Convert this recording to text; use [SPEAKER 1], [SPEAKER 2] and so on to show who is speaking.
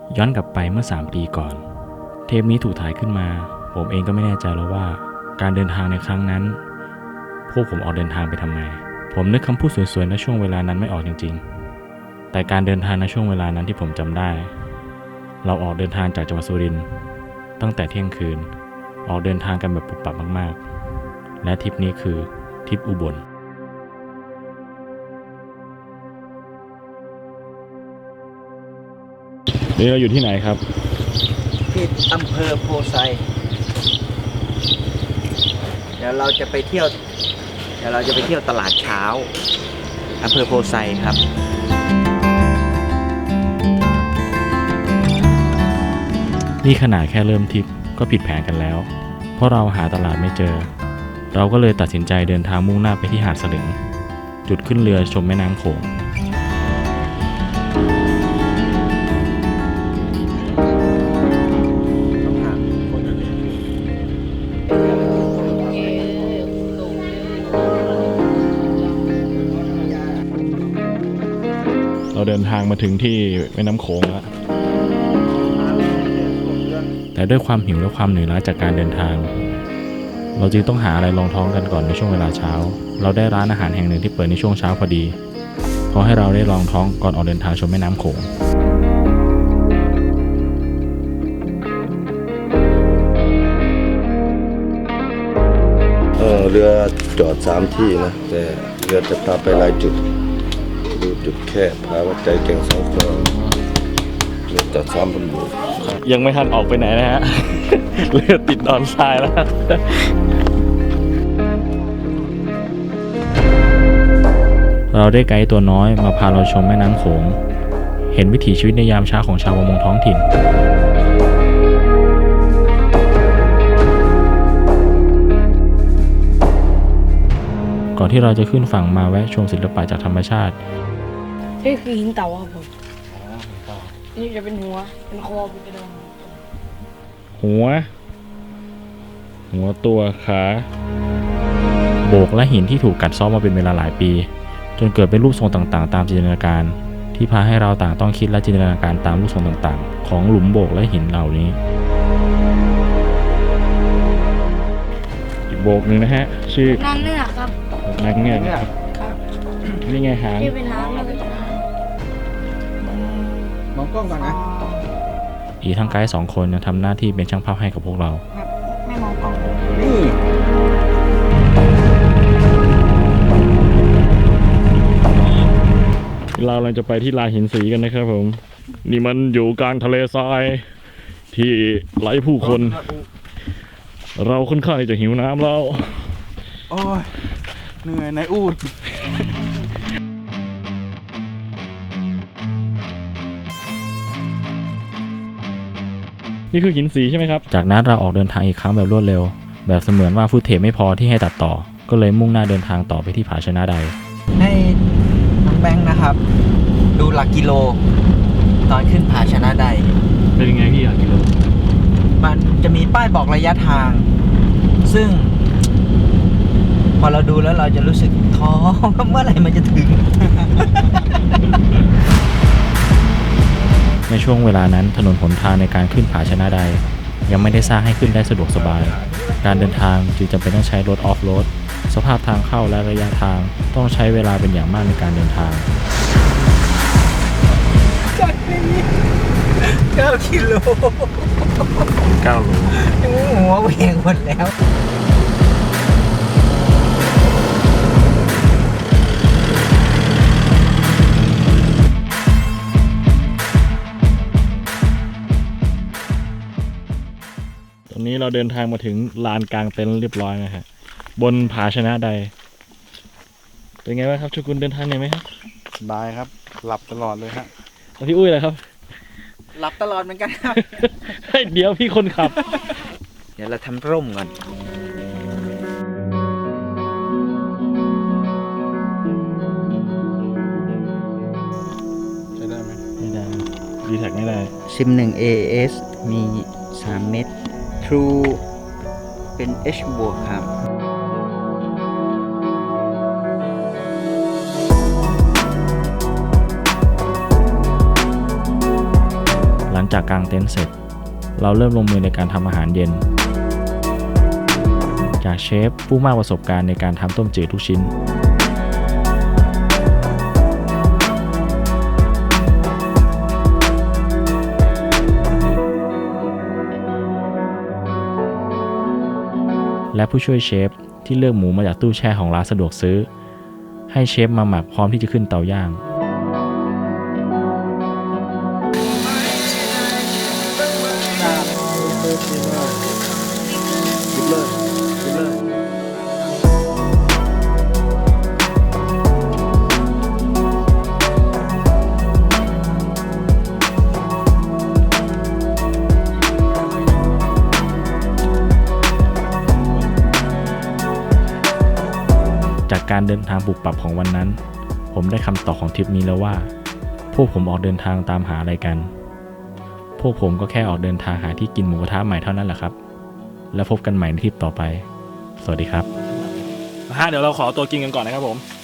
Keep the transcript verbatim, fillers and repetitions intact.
[SPEAKER 1] ย้อนกลับไปเมื่อสามปีก่อนเทปนี้ถูกถ่ายขึ้นมาผมเองก็ไม่แน่ใจแล้วว่าการเดินทางในครั้งนั้นพวกผมออกเดินทางไปทำไมผมนึกคำพูดสวยๆในช่วงเวลานั้นไม่ออกจริงๆแต่การเดินทางในช่วงเวลานั้นที่ผมจำได้เราออกเดินทางจากจังหวัดสุรินทร์ตั้งแต่เที่ยงคืนออกเดินทางกันแบบปุบปับมากๆและทริปนี้คือทริปอุบลนี่เราอยู่ที่ไหนครับ
[SPEAKER 2] ที่อำเภอโพไซเดี๋ยวเราจะไปเที่ยวเดี๋ยวเราจะไปเที่ยวตลาดเช้าอำเภอโพไซครับ
[SPEAKER 1] นี่ขนาดแค่เริ่มทริปก็ผิดแผนกันแล้วเพราะเราหาตลาดไม่เจอเราก็เลยตัดสินใจเดินทางมุ่งหน้าไปที่หาดสลึงจุดขึ้นเรือชมแม่น้ำโขงเราเดินทางมาถึงที่แม่น้ำโขงแล้วแต่ด้วยความหิวและความเหนื่อยล้าจากการเดินทางเราจึงต้องหาอะไรรองท้องกันก่อนในช่วงเวลาเช้าเราได้ร้านอาหารแห่งหนึ่งที่เปิดในช่วงเช้าพอดีพอให้เราได้รองท้องก่อนออกเดินทางชมแม่น้ำโขง
[SPEAKER 3] เออเรือจอดสามที่นะแต่เรือจะพาไปหลายจุดดูจุดแค่พาวัดใจแก่งสองคนเรือจอดสามบนบก
[SPEAKER 1] ยังไม่ทันออกไปไหนนะฮะ เรือติดดอนทรายแล้วเราได้ไกด์ตัวน้อยมาพาเราชมแม่น้ำโขงเห็นวิถีชีวิตในยามเช้าของชาวประมงท้องถิ่นก่อนที่เราจะขึ้นฝั่งมาแวะชมศิลปะจากธรรมชาติ
[SPEAKER 4] นี่คือหินเต่าครับผมนี่จะเป็นหัวเป็นคอเป็นกระดอง
[SPEAKER 1] หัวหัวตัวขาโบกและหินที่ถูกกัดเซาะมาเป็นเวลาหลายปีจนเกิดเป็นรูปทรงต่างๆตามจินตนาการที่พาให้เราต่างต้องคิดและจินตนาการตามรูปทรงต่างๆของหลุมโบกและหินเหล่านี้อีกโบกหนึ่งนะฮะชื่อนางเงือกครับนางเงือกครับนี่ไงหางที่เป็นหางเลยมองกล้องก่อนนะอีกทั้งไกด์สองคนยังทำหน้าที่เป็นช่างภาพให้กับพวกเรา
[SPEAKER 4] ไม่มองกล้อง
[SPEAKER 1] นี่เรากำลังจะไปที่ลานหินสีกันนะครับผมนี่มันอยู่กลางทะเลทรายที่ไร้ผู้คนเราค่อนข้างจะหิวน้ำแล้ว
[SPEAKER 2] โอ้ยเหนื่อยนายอูด
[SPEAKER 1] นี่คือหินสีใช่ไหมครับจากนั้นเราออกเดินทางอีกครั้งแบบรวดเร็วแบบเสมือนว่าฟุตเทจไม่พอที่ให้ตัดต่อก็เลยมุ่งหน้าเดินทางต่อไปที่ผาชนะใด
[SPEAKER 2] ให้น้องแบงค์นะครับดูหลักกิโลตอนขึ้นผาชนะใด
[SPEAKER 1] เป็นยังไงพี่หลักกิโล
[SPEAKER 2] มันจะมีป้ายบอกระยะทางซึ่งพอเราดูแล้วเราจะรู้สึกท้อเมื่อไหร่มันจะถึง
[SPEAKER 1] ในช่วงเวลานั้นถนนหนทางในการขึ้นผาชนะใดยังไม่ได้สร้างให้ขึ้นได้สะดวกสบายการเดินทางจึงจำเป็นต้องใช้รถออฟโรดสภาพทางเข้าและระยะทางต้องใช้เวลาเป็นอย่างมากในการเดินทาง
[SPEAKER 2] จากนี้เก้ากิโล
[SPEAKER 1] เก้าโล
[SPEAKER 2] หัวเวียงหมดแล้ว
[SPEAKER 1] ตอนนี้เราเดินทางมาถึงลานกลางเต็นท์เรียบร้อยนะฮะบนผาชนะใดเป็นไงบ้างครับชุกุลเดินทางเหนื่อยไหมครับ
[SPEAKER 5] สบายครับหลับตลอดเลยฮะ
[SPEAKER 1] แล้วพี่อุ้ยล่ะครับ
[SPEAKER 2] หลับตลอดเหมือนกันครับ
[SPEAKER 1] เดี๋ยวพี่คนขับ
[SPEAKER 2] เดี๋ยวเราทำร่มก่อน
[SPEAKER 5] ใช้ได้ไหม
[SPEAKER 1] ไม่ได้ดีแท็กไม่ได้
[SPEAKER 2] ซิมหนึ่ง เอ เอส มีสามเม็ด True เป็น H บวกครับ
[SPEAKER 1] ลังจากกางเต็นท์เสร็จ เราเริ่มลงมือในการทำอาหารเย็น จากเชฟผู้มากประสบการณ์ในการทำต้มจืดทุกชิ้น และผู้ช่วยเชฟที่เลือกหมูมาจากตู้แช่ของร้านสะดวกซื้อ ให้เชฟมาหมักพร้อมที่จะขึ้นเตาย่าง จากการเดินทางปรับปรับของวันนั้น ผมได้คำตอบของทริปนี้แล้วว่า พวกผมออกเดินทางตามหาอะไรกัน พวกผมก็แค่ออกเดินทางหาที่กินหมูกระทะใหม่เท่านั้นแหละครับ แล้วพบกันใหม่ในทริปต่อไป สวัสดีครับฮะเดี๋ยวเราขอตัวกินกันก่อนนะครับผม